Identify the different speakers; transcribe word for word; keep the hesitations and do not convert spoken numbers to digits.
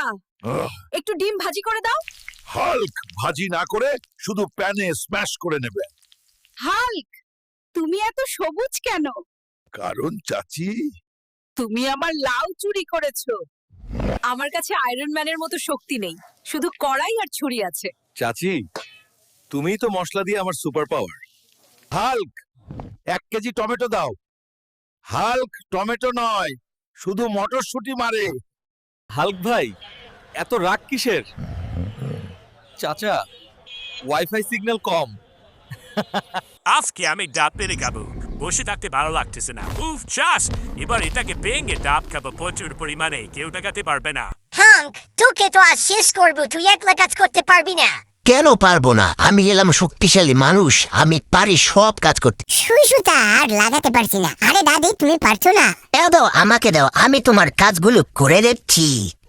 Speaker 1: আহ,
Speaker 2: একটু ডিম ভাজি করে দাও।
Speaker 1: হাল্ক ভাজি না করে শুধু প্যানে স্ম্যাশ করে নেবে।
Speaker 2: হাল্ক, তুমি এত সবুজ কেন?
Speaker 1: কারণ চাচি,
Speaker 2: তুমি আমার লাউ চুরি করেছো। আমার কাছে আয়রন ম্যানের মতো শক্তি নেই, শুধু কড়াই আর ছুরি আছে।
Speaker 3: চাচি, তুমিই তো মশলা দিয়ে আমার সুপার পাওয়ার।
Speaker 1: হাল্ক এক কেজি টমেটো দাও। হাল্ক টমেটো নয়, শুধু মটরশুঁটি মারে।
Speaker 3: হাল্ক ভাই, এত রাগ কিসের? চাচা, ওয়াইফাই সিগন্যাল কম।
Speaker 4: আজকে আমি ডাব পেরে খাবো। বসে থাকতে ভালো লাগতেছে না। উফ চাস, এবার এটাকে ভেঙে ডাব খাবো প্রচুর পরিমাণে, কেউ টাকাতে পারবে না।
Speaker 5: হাঙ্ক, তোকে তো আজ শেষ করবো, তুই একলা কাজ করতে পারবি না।
Speaker 6: কেন পারবো না? আমি এলাম শক্তিশালী মানুষ, আমি পারি সব কাজ করতে।
Speaker 5: সুই সুতা আর লাগাতে পারছি না। আরে দাদি, তুমি পারছো না?
Speaker 6: দাও দাও, আমাকে দাও, আমি তোমার কাজগুলো করে দিচ্ছি।